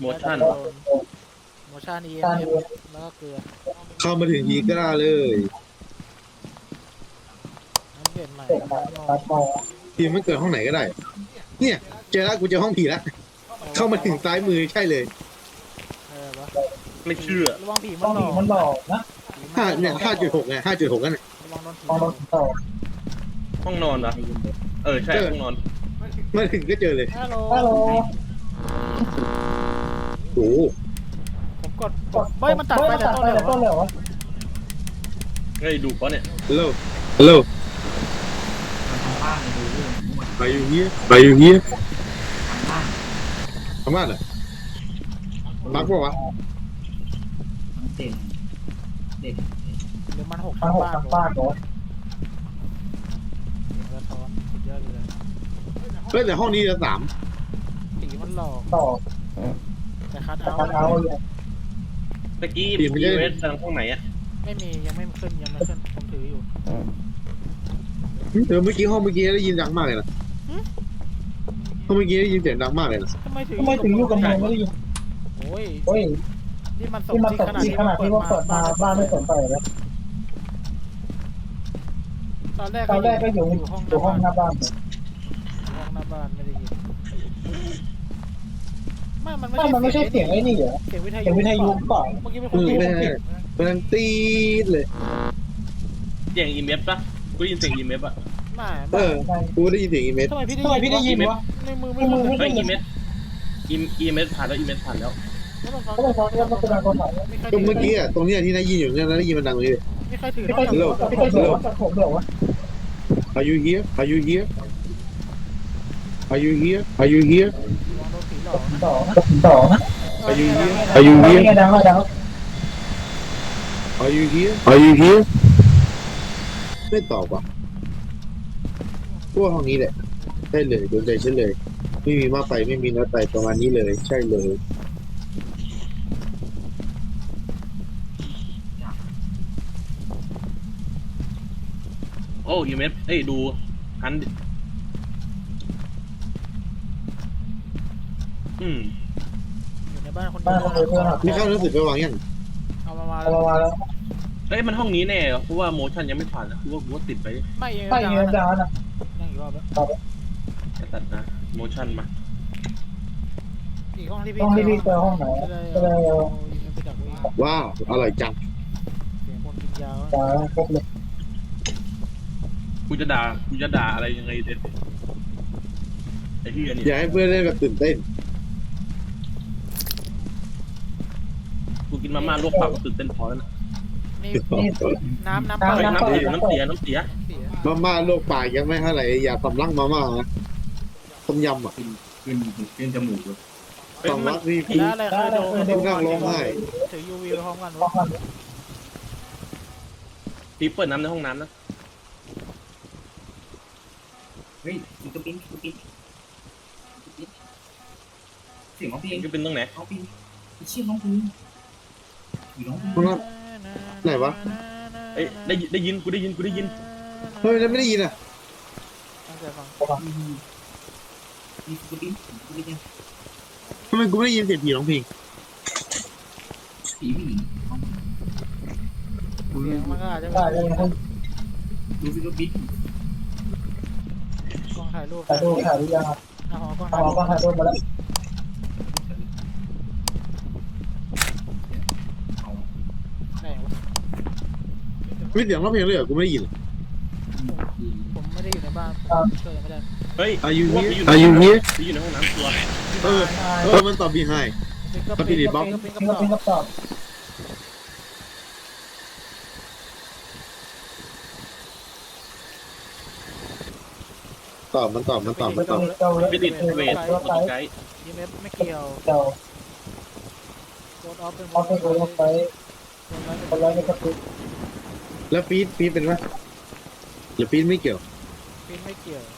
โมชั่นโมชั่น EMF แล้วก็เกลือเข้ามาถึงยีก็ได้เลยน้ำเปลี่ยนใหม่ทีมมันเกิดห้องไหนก็ได้ เนี่ยเจอแล้วกูเจอห้องผีแล้วเข้ามาถึงซ้ายมือใช่เลยวะไม่เชื่อระวังผีมันหลอกนะเนี่ย5.6ไง5.6นั่นแหละระวังโดนผีหลอกห้องนอนเหรอใช่ห้องนอนมาถึงก็เจอเลยฮัลโหลโอ้โหผมกดเฮ้ยมันตัดไปแต่ต้นเลยวะเฮ้ยดูปะเนี่ยฮัลโหลไปอยู่เฮียทำบ้านเหรอบักปะวะเด่นหรือมันหกทั้งบ้านเหรอสะท้อนสุดยอดเลยเฮ้ยแต่ห้องนี้จะ3 ผีมันหลอกแต่คัดเอาตะกี้พีเวสทางห้องไหนอะไม่มียังไม่ขึ้นผมถืออยู่เมื่อกี้ห้องเมื่อกี้ได้ยินดังมากเลยนะห้องเมื่อกี้ได้ยินเสียงดังมากเลยนะทำไมถึงอยู่กับมันไม่ได้ยินโอ้ยนี่มันตกที่ขนาดที่ว่าเปิดมาบ้านไม่สนใจเลยตอนแรกก็อยู่ห้องหน้าบ้านไม่ได้ยินมันไม่ใช่เสียงไอ้นี่เหรอเสียงวิทยุเปล่าเมื่อกี้เป็นคนพูดมันตีดเลยเสียงอีเมฟปะกูได้ยินเสียงอีเมฟอะกูได้ยินเสียงอีเมสทำไมพี่ได้ยินวะในมือไม่รู้เฮ้ยอีเมฟผ่านแล้วอีเมฟผ่านแล้วก็เมื่อกี้อ่ะตรงนี้ที่ได้ยินอยู่เนี่ยได้ยินมันดังเลยไม่ใครถือ Are you here Are you here Are you here Are you here ต่อนะ Are you here Are you here Are you here Are you here ไม่ตอบว่ะพวกห้องนี้แหละได้เลยโดนใจฉันเลยไม่มีมากไปไม่มีน้อยไปประมาณนี้เลยใช่เลยโอ้อีเมฟดูฮันอยู่ในบ้านคนเดียวมีข้าวหนังสือไปวางยังเอามาแล้วมันห้องนี้แน่เพราะว่าโมชั่นยังไม่ผ่านนะกูว่าติดไปไม่ยังดาวนะยังอีกรอบแล้วจะตัดนะโมชั่นมาอีกห้องที่พี่เจอห้องไหนก็เลยไปดักไว้ว้าวอร่อยจังเสียงคนกินยาวกูจะด่าอะไรยังไงเด็ดไอ้ที่อันนี้อยากให้เพื่อนได้แบบตื่นเต้นกูกินมาม่าลวกปากตื่นเต้นพอแล้วนะนี่น้ำน้ำเสียมาม่าโลกปากยังไม่เท่าไหร่อย่าสำลักมาม่านะต้มยำอ่ะขึ้นจมูกเลยสำลักนี่แล้วอะไรเคยโดนกูนั่งร้องไห้ถือ UV ไปพร้อมกันวะที่เปิดน้ำในห้องน้ำนะเฮ้ยกระปิ้นเสียงน้องเพลงจะเป็นตรงไหนน้องเพลงเชี่ยน้องเพลงอยู่น้องเพลงห้องน้ำไหนวะได้ยินกูได้ยินเฮ้ยแล้วไม่ได้ยินอ่ะตั้งใจฟังมีกระปิ้นเนี่ยทำไมกูไม่ได้ยินเสียงผีร้องเพลงผีผู้หญิงเสียงมันก็อาจจะดูสิกระปิ้นกล้องถ่ายรูปยังเอากล้องถ่ายรูปมาแล้วไหนวะไม่เสียงร้องเพลงเลยเหรอกูไม่ได้ยินผมไม่ได้อยู่ในบ้านผมช่วยไม่ได้เฮ้ย Are you here อยู่ Are you here ในห้องน้ำตัวมันตอบ behind ก็ปิดบล็อกกับตอบตอบมันตอบไม่ติดเวทไกด์ EMF ไม่เกี่ยวโดนออฟเป็นคนไร้ไม่กระตุ้นแล้วฟีดเป็นปะหรือฟีดไม่เกี่ยวฟินไม่เกี่ยว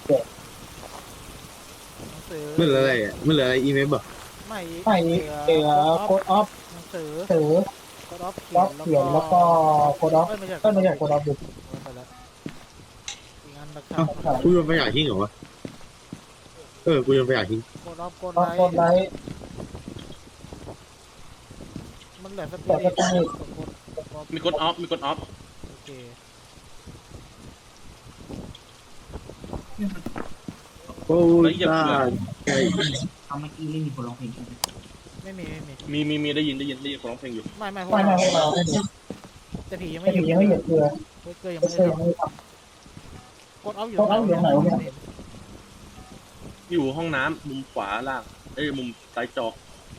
หนังสือมันเหลืออะไรอ่ะมันเหลืออะไรอีเมลป่ะไม่โค้ดออฟหนังสือโค้ดออฟเขียนแล้วก็โค้ดออฟไม่ใช่โค้ดออฟดูไปแล้วอีกอันหลักฐานกูโยนไปอยากทิ้งเหรอวะกูโยนไปอยากทิ้งโค้ดออฟโค้ดไลท์เหลือสปิริตกดมีกดออฟมีกดออฟโอเคโอ้ยตายเอาเมื่อกี้เล่นมีคนร้องเพลงใช่ไหมไม่มีมีได้ยินคนร้องเพลงอยู่ไม่พวกเราแต่ผียังไม่หยุดเกลือยังไม่ได้กดออฟอยู่ตรงไหนอยู่ห้องน้ำมุมขวาล่างมุมซ้ายจอ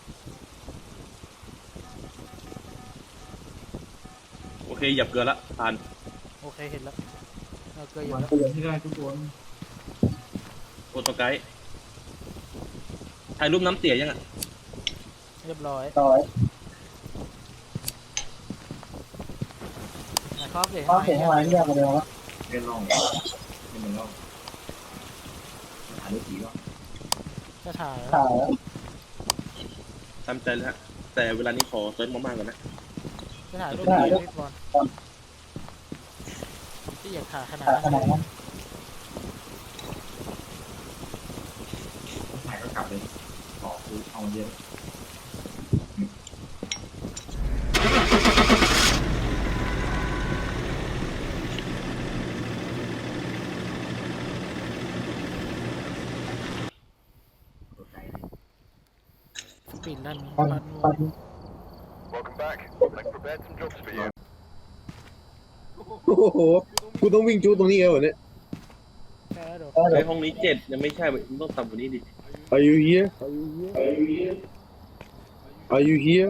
โอเคหยับเกลือละผ่านโอเคเห็นแล้วเกลืออยู่วันแล้วเตือนที่ได้ทุกคนโปรโตไกด์ถ่ายรูปน้ำเสียยังอ่ะเรียบร้อยนะครับเดี๋ยวให้ข้างหลังแยกมาเดียววะเล่นร่องเป็นเหมือนร่องหาดูผีว่าจะถ่ายตามใจเลยฮะแต่เวลานี้ขอเซิร์ชมากๆก่อนนะจะถ่ายรูปพี่บอลที่อยากถ่ายขนาดนั้นถ่ายก็กลับเลยขอคือเอาเยอะตัวใจเลยปิดนั่น Welcome back. I've prepared some jobs for you. โอ้โหกูต้องวิ่งจู้ตรงนี้เหรอเนี่ยแค่เดี๋ยวไอห้องนี้7ยังไม่ใช่มันต้องต่ำกว่านี้ดิ Are you here Are you here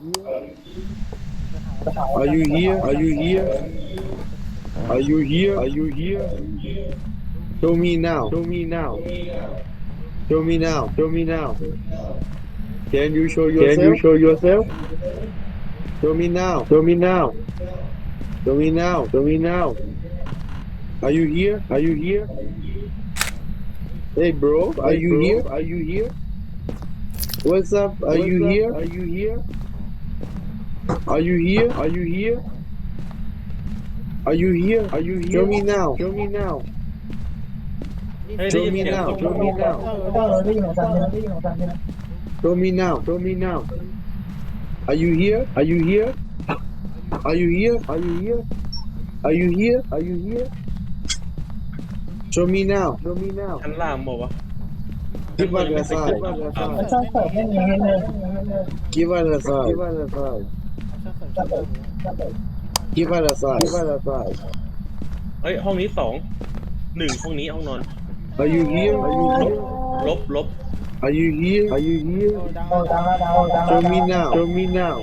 Are you here Are you here Are you here Are you here Show me now Show me now Show me now Show me now Can you show yourself Can you show yourself Show me now Show me now Show me now Show me now Are you here Are you here Hey bro Are you here Are you here What's up Are you here Are you here Are you here Are you here Are you here Are you here Show me now Show me now เฮ้ยได้ Show ยิน me เสียง now คน Show me now ได้ยินของจันได้ยินของจัน Show me now Show me now Are you here Are you here Are you here Are you here Are you here Are you here Show me now Show me now ชั้นล่างบอกว่า Give us a sign ช่างเสริมไม่มีให้เลย Give us a sign Give us a sign ช่างเสริม Give us a sign Give us a sign เฮ้ยห้องนี้2 1ห้องนี้ห้องนอน Are you here Are you here ลบ Are you here Are you here ดังแล้ว Show me now Show me now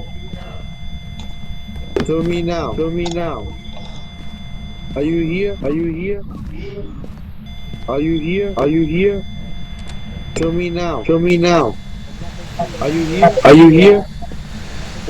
Show me now Show me now Are you here Are you here Are you here Are you here Show me now Show me now Are you here Are you here โอ้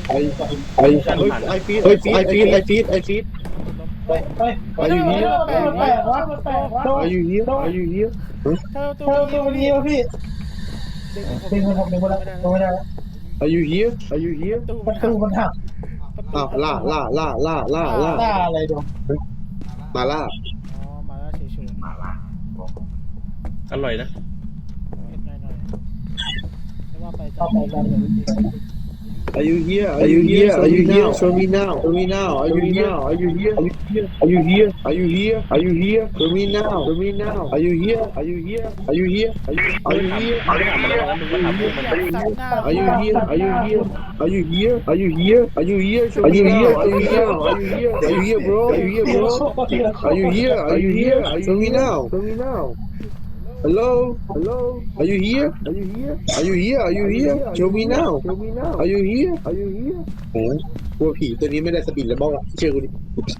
I feed Are you here Are you here Are you here ตัวนี้พี่ดึงผมไม่ได้ Are you here Are you here ประตูมันหักอ้าวล่าอะไรดูมาล่าอ๋อมาแล้วเฉยมาละบอกอร่อยนะๆหน่อยไม่ว่าไปจะ Are you here Are you here Are you here Show me now Show me now Are you here Are you here Are you here Are you here Are you here Show me now Show me now Are you here Are you here Are you here Are you here ไม่ได้ถามมาแล้วนะมึงมาถามพวกมัน Are you here Are you here Are you here Are you here Are you here Show me now Are you here Are you here Are you here bro Are you here bro Are you here Are you here Show me now Show me now Hello Hello Are you here Are you here Are you here Are you here Show me now Show me now Are you here Are you here โอ้กลัวผีตัวนี้ไม่ได้สปินแล้วบ้างเชื่อกูดิ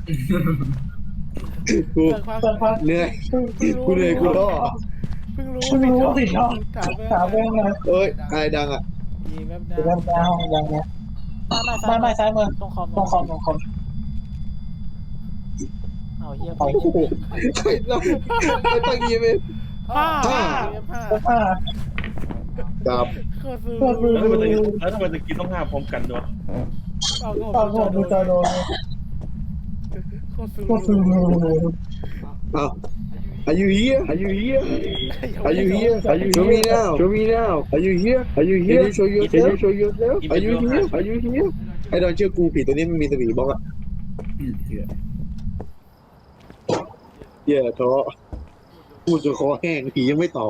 กูเหนื่อยกูท้อเพิ่งรู้สิน้องถามเรื่องอะไรเอ้ยอะไรดังอ่ะยีแวบดาวห้องยังไงไม่ซ้ายมือตรงคอมเอาเฮียไปโอ้โหใครตั้งยีเมนห้ากับโคตรซื้อแล้วทำไมตะกี้ต้อง5พร้อมกันด้วยเอาดูจอโดนโคตรซื้ออ้าว Are you here? Are you here? Are you here? Are you show me now? Show me now. Are you here? Are you here? Can you show yourself? Can you show yourself? Are you here? Are you here? ไอ้ดอนเชื่อกูผีตัวนี้มันมีสปีดบล็อกอะเถื่อนเหี้ยท้อพูดจนคอแห้งผียังไม่ตอบ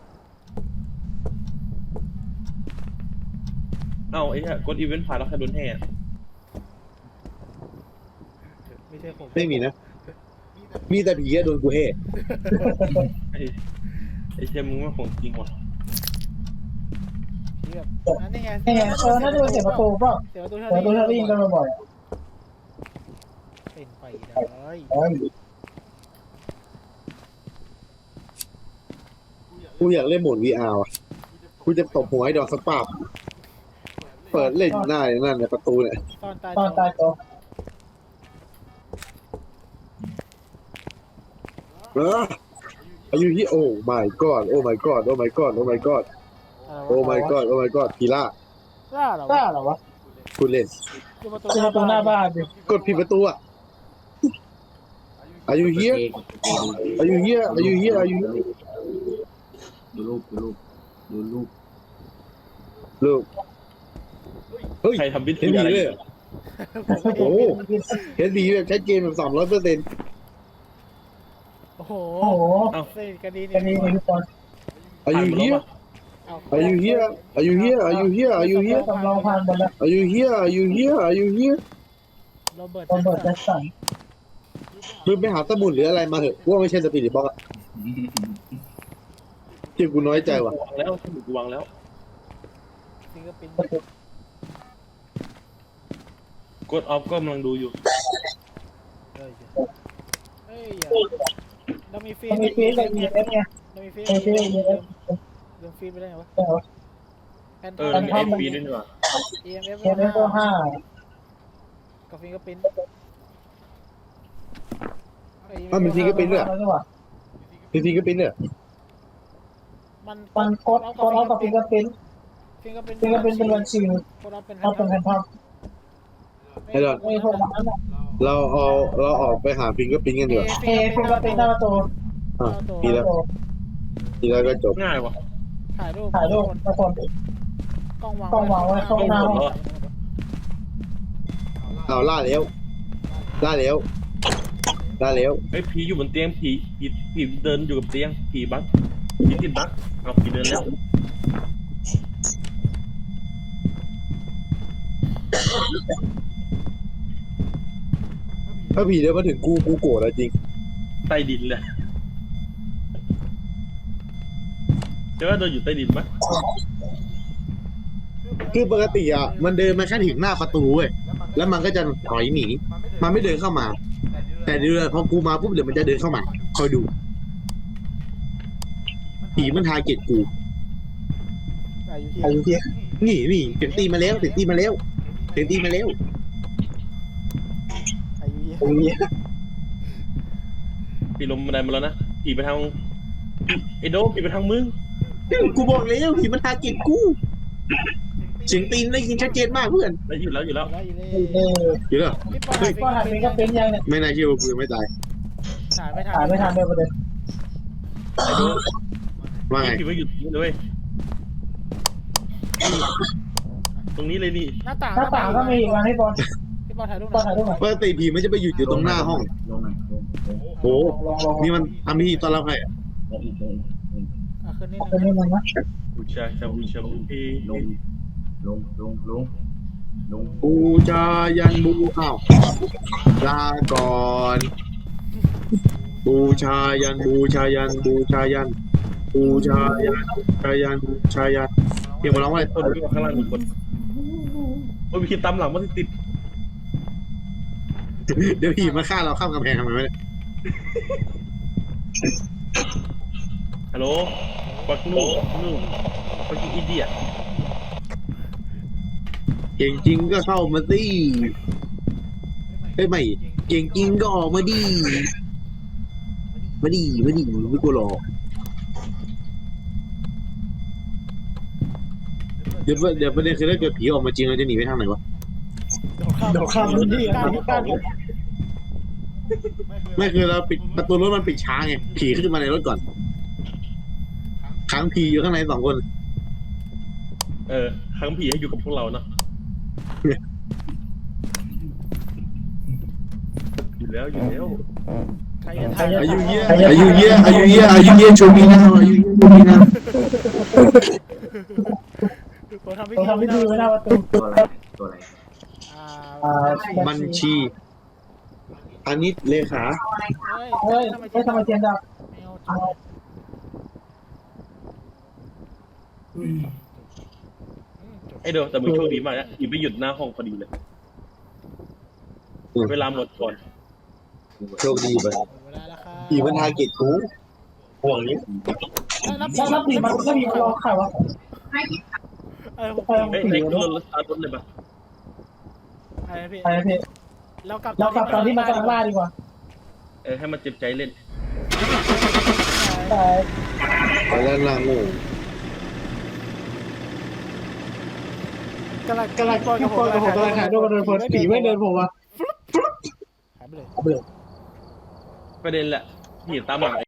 เอ้าไอ้เหี้ยกดอีเวนต์ผ่านแล้วใครโดนแห่ไม่ใช่ผมไม่มีนะ มีแต่ผีอะโดนกูแห่ไอ้เชี่ยมึงไม่ของจริงว่ะที่แบบนั่นไงนี่ไงน่าจะเป็นเสียงประตูเปล่าเสียงประตูเสียงประตูที่เราได้ยินกันบ่อยเป็นไปได้ๆเอ้ยกูอยากเล่นโหมด VR อ่ะกูจะตบหัวไอ้ดอกสปาบเปิดเล่นหน้าอย่างนั้นในประตูเนี่ยตอนตายตอนตายตัวอายุที่โอ้ my god โอ้ my god โอ้ my god โอ้ my god โอ้ my god โอ้ my god พีล่าล่าเหรอกล้าเหรอวะคุณเล่นคือประตูเจอประตูหน้าบ้านดิกดผิดประตูอ่ะ Are you here Are you here Are you here Are you here ดูรูปดูรูปลูกเฮ้ยใครทำพิธีเห็นดีอะไรเลยอยู่โอ้เห็นดีแบบชัดเจนแบบ300% โอ้โหโอ้โหเส้นกระดิ่งกันนี้เลยทุกคน Are you here Are you here Are you here Are you here Are you here สำรองผ่านหมดแล้ว Are you here Are you here Are you here โรเบิร์ตตำรวจแจ็คสันมึงไปหาสมุดหรืออะไรมาเถอะว่าไม่ใช่สปีดบล็อกอะเที่ยกูน้อยใจว่ะวางแล้วสมุดกูวางแล้วฟิงเกอร์ปิ้นกดออฟก็กำลังดูอยู่เฮ้ยเรามีฟีมันมีฟีดกับ EMF ไงเรามีฟีมีฟีดกับ EMF เรื่องฟีดไปได้ไงวะแต่ว่าแพนเออมีไอฟีด้วยนี่หว่า EMF EMF ก็ห้ากับฟิงเกอร์ปิ้นมันฟิงเกอร์ปิ้นด้วยแล้วนี่หว่าจริงๆก็เป็นเนี่ยมันโคดออฟกับฟิงเกอร์ปิ้นฟิงเกอร์ปิ้นฟิงเกอร์ปิ้นเป็นวันชิวโคดออฟเป็นเอาเป็นแผ่นพับไอ้ดอนไม่โทรมาแล้วเราออกไปหาฟิงเกอร์ปิ้นกันดีกว่าเอฟิงเกอร์ปิ้นหน้าประตูอ่ะทีแล้วทีแล้วก็จบง่ายว่ะถ่ายรูปถ่ายรูปทุกคนกล้องวางไว้ข้างหน้าเอาล่าแล้วล่าแล้วล่าแล้วไอ้ยผีอยู่บนเตียงผีเดินอยู่กับเตียงผีบั๊กผีติดบั๊กเอาผีเดินแล้วถ้าผีเดินมาถึงกูโกรธแล้วจริงใต้ดินเลยใช่ว่าเดินอยู่ใต้ดินปะคือปกติอ่ะมันเดินมาแค่ถึงหน้าประตูเว้ยแล้วมันก็จะถอยหนีมันไม่เดินเข้ามา แต่เดือนพอกูมาปุ๊บเดี๋ยวมันจะเดินเข้ามาคอยดูผีมันทาร์เก็ตกูอายุที่อายุเที่ยงนี่เสียงตีมาแล้วเสียงตีมาแล้วเสียงตีมาแล้วอายุที่อายุเที่ยงผีลงบันไดมาแล้วนะผีไปทางไอ้โดมผีไปทางมึงกูบอกแล้วผีมันทาร์เก็ตกูเสียงตีนได้ยินชัดเจนมากเพื่อนแล้วอยู่แล้วอยู่เลยอยู่แล้วพี่ปอก็หาฟิงเกอร์ปิ้นยังเนี่ยไม่น่าเชื่อว่ากูยังไม่ตายถ่ายไม่ทัถ่ายไม่ทันเลยประเด็นไอ้โดมว่าไงผีไปอยู่ตรงนี้เลยตรงนี้เลยนี่หน้าต่างหน้าต่างก็มีอีกวันให้บอลพี่ปอถ่ายรูปบอลถ่ายรูปหน่อยปกติผีมันจะไปอยู่ตรงหน้าห้องลงหน่อยลงโอ้นี่มันทำพิธีต้อนรับใครอะลงอีกลงขึ้นนี่เป็นยังไงนะบูชาบูชาบูชาลงลงบูชายันบูอ้าวลาก่อนบูชายันบูชายันบูชายันบูชายันบูชายันบูชายันเพียงมาร้องว่าต้นที่ข้างล่างหนึ่งคนโอ้ยมีตามหลังมันติดเดี๋ยวผีมาฆ่าเราข้ามกำแพงทำไมวะเนี่ยฮัลโหลปักนู่ปักอีเดียเก่งจริงก็เข้ามาสิเฮ้ยไม่เก่งจริงก็ออกมาดิมาดิไม่กลัวหรอกเดี๋ยวประเด็นคือถ้าเกิดผีออกมาจริงเราจะหนีไปทางไหนวะเดี๋ยวข้ามพื้นที่กันไม่คือเราปิดประตูรถมันปิดช้าไงผีขึ้นมาในรถก่อนค้างผีอยู่ข้างใน2 คนครั้งผีให้อยู่กับพวกเราเนาะอยู่แล้วใครจะถ่ายอายุเยอะชูมีนาอายุเยอะชูมีนาผมทำพิเราธีทำพิธีไว้หน้าประตูตัวอะไรตัวอะไรบัญชี อันนี้เลขาเฮ้ยทำไมเทียนดับไอเดี๋ยวแต่มึงโชคดีมากนะอีไม่หยุดหน้าห้องพอดีเลย เวลาหมดก่อนโชคดีไปเวลาแล้วครับผีมันทาร์เก็ตกูห่วงนี้ถ้าผีมันก็มีรอใครวะผมเฮ้ยรถสตาร์ทรถเลยปะอะไรพี่ไปพี่เรากลับเรากลับตอนที่มันกำลังล่าดีกว่าให้มันเจ็บใจเล่นไปไปแล้วนางงูกำลังกำลังทุกคนกับผมกำลังหาด้วยกันเดินผมผีไม่เดินผมวะหายไปเลยเอาไปเลยประเด็นแหละผีตามหลัง